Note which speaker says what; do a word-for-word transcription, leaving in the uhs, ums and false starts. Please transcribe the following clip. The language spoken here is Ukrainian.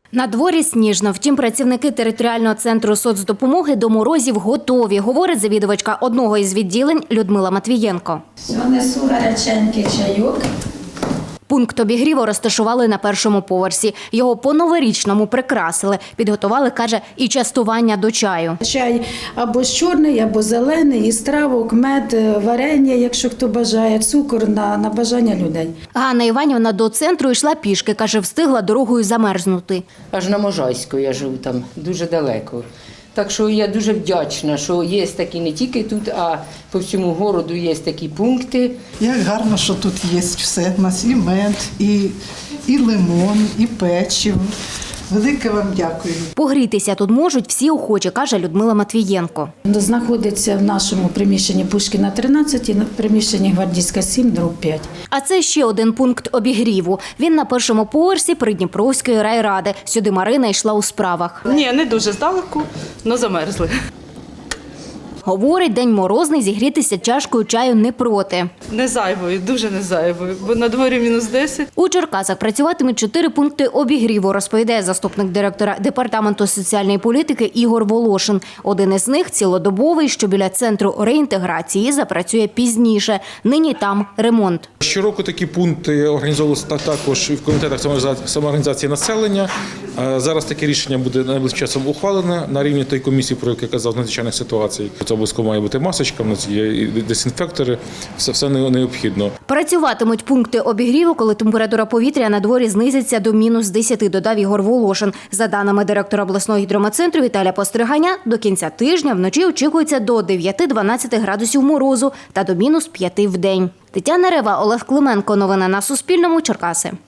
Speaker 1: На дворі сніжно, втім працівники територіального центру соцдопомоги до морозів готові, говорить завідувачка одного із відділень Людмила Матвієнко.
Speaker 2: Все, несу гаряченький чайок.
Speaker 1: Пункт обігріву розташували на першому поверсі. Його по-новорічному прикрасили. Підготували, каже, і частування до чаю.
Speaker 2: Чай або чорний, або зелений, із травок, мед, варення, якщо хто бажає, цукор на, на бажання людей.
Speaker 1: Ганна Іванівна до центру йшла пішки, каже, встигла дорогою замерзнути.
Speaker 3: Аж на Можайську я живу там, дуже далеко. Так що я дуже вдячна, що є такі не тільки тут, а по всьому городу є такі пункти.
Speaker 4: Як гарно, що тут є все. У нас і мед, і, і лимон, і печиво. Велике вам дякую.
Speaker 1: Погрітися тут можуть всі охочі, каже Людмила Матвієнко.
Speaker 2: Знаходиться в нашому приміщенні Пушкіна тринадцять і в приміщенні Гвардійська сім, дроб п'ять.
Speaker 1: А це ще один пункт обігріву. Він на першому поверсі Придніпровської райради. Сюди Марина йшла у справах.
Speaker 5: Ні, не дуже здалеку, але замерзли.
Speaker 1: Говорить, день морозний, зігрітися чашкою чаю не проти.
Speaker 5: Не зайвою, дуже не зайвою, бо на дворі мінус десять.
Speaker 1: У Черкасах працюватимуть чотири пункти обігріву, розповідає заступник директора департаменту соціальної політики Ігор Волошин. Один із них цілодобовий, що біля центру реінтеграції, запрацює пізніше. Нині там ремонт.
Speaker 6: Щороку такі пункти організовувалися також і в комітетах самоорганізації населення. Зараз таке рішення буде найближчим часом ухвалене на рівні тієї комісії, про яку я казав, з надзвичайних ситуацій. Це обов'язково має бути масочка, в нас є і дезінфектори, все, все необхідно.
Speaker 1: Працюватимуть пункти обігріву, коли температура повітря на дворі знизиться до мінус десяти, додав Ігор Волошин. За даними директора обласного гідрометцентру Віталія Постриганя, до кінця тижня вночі очікується до дев'яти-дванадцяти градусів морозу та до мінус п'яти в день. Тетяна Рева, Олег Клименко. Новини на Суспільному. Черкаси.